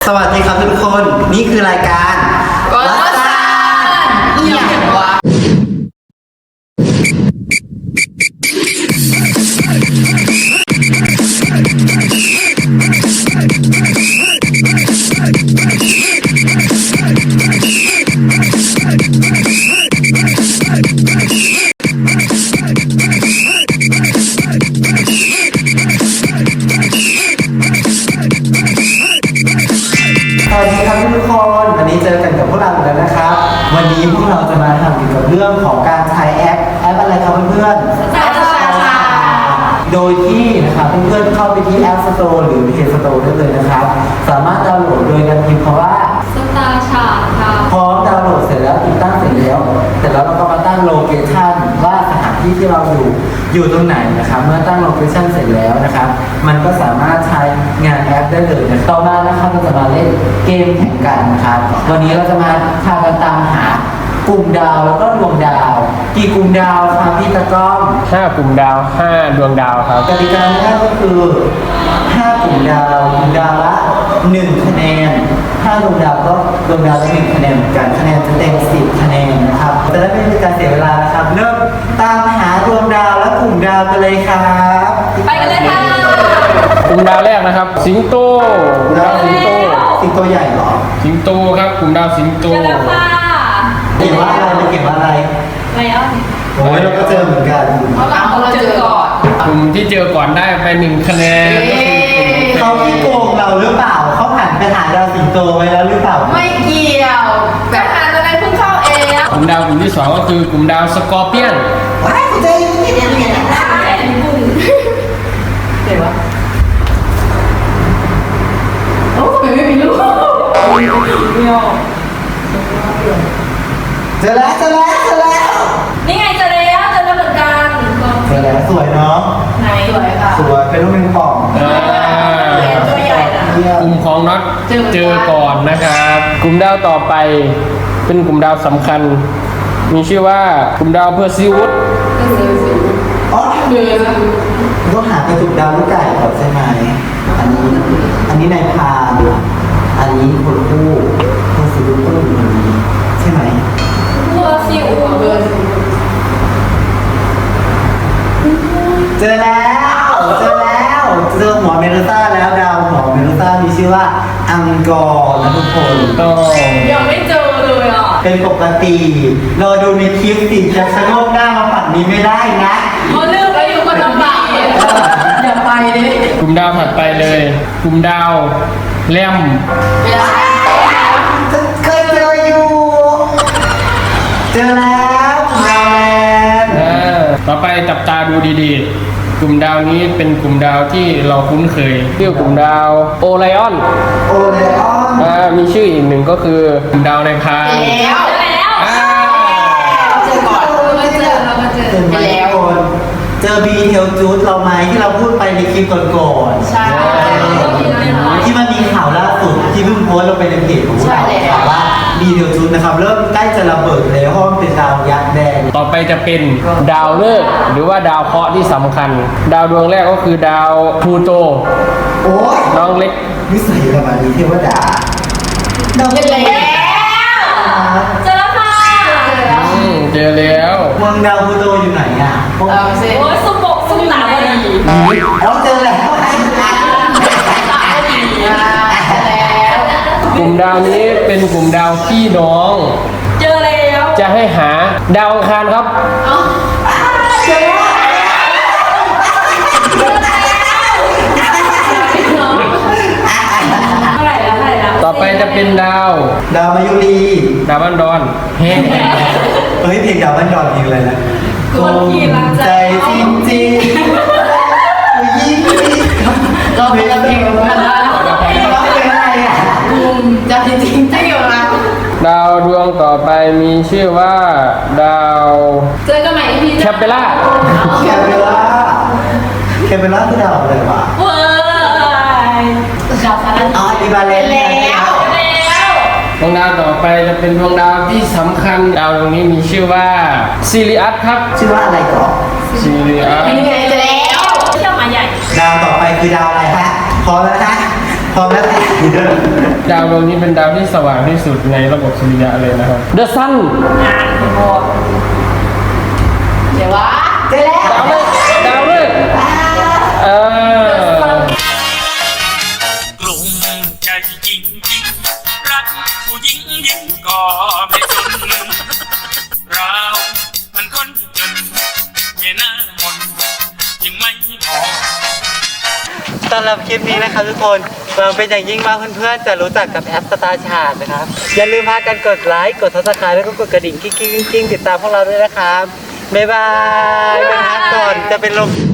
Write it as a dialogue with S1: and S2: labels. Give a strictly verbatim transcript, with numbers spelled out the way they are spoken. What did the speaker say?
S1: สวัสดีครับทุกคนนี่คือรายการวัดซ่าอีหยังวะสวัสดีครับทุกคนวันนี้เจอกันกับพวกเราอีกแล้วนะครับวันนี้พวกเราจะมาทำเกี่ยวกับเรื่องของการใช้แอปแอปอะไรครับเพื่อนๆ
S2: สตาร์ชา
S1: โดยที่นะครับเพื่อนๆเข้าไปที่ App Store หรือ Play Store ได้เลยนะครับสามารถดาวน์โหลดโดยการพิมพ์คำว่า
S2: สตาร์ชาค่ะ
S1: พร้อมดาวน์โหลดเสร็จแล้วติดตั้งเสร็จแล้วแต่แล้วเราก็มาตั้งโลเคชั่นว่าสถานที่ที่เราอยู่อยู่ตรงไหนนะครับเมื่อตั้งโลเคชั่นเสร็จแล้วนะครับมันก็สามารถใช้งานแอปได้เลยนะต่อมานะครับเราจะมาเล่นเกมแข่งกันนะครับวันนี้เราจะมาพากันตามหากลุ่มดาวแล้วก็ดวงดาวกี่กลุ่มดาวครับพี่ตะก้อง
S3: ห้ากลุ่มดาวห้าดวงดาวครับ
S1: กติกาง่ายก็คือห้ากลุ่มดาวกลุ่มดาวละหนึ่งคะแนนห้าดวงดาวก็ดวงดาวละหนึ่งคะแนนเหมือนกันคะแนนจะเต็มสิบคะแนนนะครับจะได้ไม่เป็นการเสียเวลานะครับเริ่มตามหาดวงดาวและกลุ่มดาวกันเลยครับ
S2: ไปกันเลยค่ะ
S3: กลุ่มดาวแรกนะครับ สิงโตกลุ่มดาวสิงโต
S1: สิงโตใหญ่เหรอ
S3: สิงโตครับกลุ่มดาวสิงโต
S2: เจอแล้วค่ะ
S1: เก็บว่าอะไรไม่เก็บว่าอะไร
S2: ไลออน
S1: โอ้ยเราก็เจอเหมือนกัน
S2: เพราะเราเราเจอก่อน
S3: กลุ่มที่เจอก่อนได้ไปหนึ่งคะแนนก็คือกลุ่ม
S1: เขาที่โกงเราหรือเปล่าเขาผ่านไปหาดาวสิงโตไว้แล้วหรือเปล่า
S2: ไม่เกี่ยวแบบอ่านอะไรเพิ่งเข้าเอง
S3: กลุ่มดาวกลุ่มที่สองก็คือกลุ่มดาวสกอร์เปียน
S1: ว้ายเจอที่เนี่ยเนี่ย
S2: ได้บุ้งเดี๋ยววะโอ้ยไม่มีลูกไม่ออก
S1: เจอแล้วเจอแล้วเจอแล้ว
S2: นี่ไงเจอแล้วเจอแล้วเหมือนกัน
S1: เจอแล้วสวยเนาะ
S2: ไหนสวยค่ะ
S1: สวยเป็นลูกแมงป่อง
S3: อ่า
S2: ตัวใหญ่นะ
S3: กลุ่มของน็อตเจอก่อนนะครับ กลุ่มดาวต่อไปเป็นกลุ่มดาวสำคัญ มีชื่อว่ากลุ่มดาวเพอร์ซิวุฒ
S1: อ๋อต้องหากระจุกดาวลูกไก่ก่อนใช่ไหมอันนี้ อันนี้นายพรานอันนี้คนคู่คนสุดลูกก็อยู่ตรงนี้ใช่ไหม
S2: เบอร์ซิวเบอร์ซิว
S1: เจอแล้วเจอแล้วเจอหัวเมดูซ่าแล้วดาวหัวเมดูซ่ามีชื่อว่าอังกอร์นะทุกคน
S3: ต้อง
S2: ยังไม่เจอเลยอ่ะ
S1: เป็นปกติเราดูในคลิปสิจะชะโงกหน้ามาฝั่งนี้ไม่ได้นะ
S2: เขาเลือกไปอยู่คนลำบากเลยอย่าไปเลย
S3: กลุ่มดาวถัดไปเลย กลุ่มดาวแรม
S1: เคยเจออยู่ เจอแล้วดาวแลนด์
S3: อ่าต่อไปจับตาดูดีๆ กลุ่มดาวนี้เป็นกลุ่มดาวที่เราคุ้นเคยชื่อกลุ่มดาวโอไลออน
S1: โอเลออน
S3: อ่ามีชื่ออีกหนึ่งก็คือกลุ่มดาวในพราน
S2: แล้วแล้ว
S3: อ่า
S2: เจอก่อนเรามาเจอเรามาเจอ
S1: เจอไหมทุกคนเจอบีเทลจูดเราไหมที่เราพูดไปในคลิปก่อนๆ
S2: ใช่ก็มีอะไรหน่อย
S1: ที่มันมีข่าวล่าสุดที่เพิ่งโพสต์ลงไปในเพจของพวกเรา
S2: ใช่แล้ว
S1: ข่าวว่าบีเทลจูดนะครับเริ่มใกล้จะระเบิดแล้วเพราะมันเป็นดาวยักษ์แดง
S3: ต่อไปจะเป็นดาวฤกษ์หรือว่าดาวเคราะห์ที่สำคัญ ดาวดวงแรกก็คือดาวพลูโต
S1: โอ้ย
S3: น้องเล็ก
S1: นิสัยประมาณนี้เทวดาเรา
S2: เจ
S1: เป็น
S2: อแล้วเจอแล้วค่ะ
S3: อืมเจอแล้ว
S1: เมืองดาวพลูโตอยู่ไหนอ่ะพวก
S2: เอาสิโอ้ยสุบกสุบหนาวดี
S1: เราเจอแล้ว
S3: กลุ่มดาวนี้เป็นกลุ่มดาวพี่น้อง
S2: เจอแล้ว
S3: จะให้หาดาวอังคารครับ
S2: เอา
S1: เจอแล้ว
S2: เท่าไหร่แล้วเท่าไหร่แล้ว
S3: ต่อไปจะเป็นดาว
S1: ดาวมายุรี
S3: ดาวบันดอนเฮ้
S1: เฮ้ยเพลงดาวบ้านดอนเพลงอะไรนะ
S2: คนขี่รัก
S1: ใจจริงจริงๆยิ่งก็เพลงเพลงอะไรร้องเพลงอะไรอ่ะ
S2: บุมจะจริงจริงจริงอยู่นะ
S3: ดาวดวงต่อไปมีชื่อว่าดาว
S2: เจอกันใหม่อีพี
S3: แคปเปล่า
S1: แคปเปล่าแคปเปล่าคือดาวอะไรวะ
S2: เว้ยดาวสาร
S1: อ๋ออีบาเลน
S2: แล้วแล้ว
S3: ดวงดาวต่อไปจะเป็นดวงดาวที่สำคัญดาวดวงนี้มีชื่อว่าซิริอัสครับ
S1: ชื่อว่าอะไรก่อน
S3: ซิริอัส
S2: เป็นไงเจอแล้วเที่ยวมาใหญ่
S1: ดาวต่อไปคือดาวอะไรฮะพอแล้วนะดพร้อมแล้ว
S3: ดาวดวงนี้เป็นดาวที่สว่างที่สุดในระบบสุริยะเลยนะครับ The Sun
S2: อ่านหมดเดี๋ยววะ
S1: เจอแล้ว
S3: ดาวเลยดาวเลยเออ
S4: กลุ่มใจจริงจริงรักผู้หญิงยิ่งก็ไม่สนเรามันคนจนเมียหน้ามนยังไม่พอ
S1: สำหรับคลิปนี้นะครับทุกคนหวังเป็นอย่างยิ่งว่าเพื่อนๆจะรู้จักกับแอปสตาร์ชาร์ตนะครับ อย่าลืมพากันกดไลค์กดซับสไครต์แล้วก็กดกระดิ่งกิ๊งๆๆติดตามพวกเราด้วยนะครับ บ๊ายบายไปพักก่อนจะเป็นลม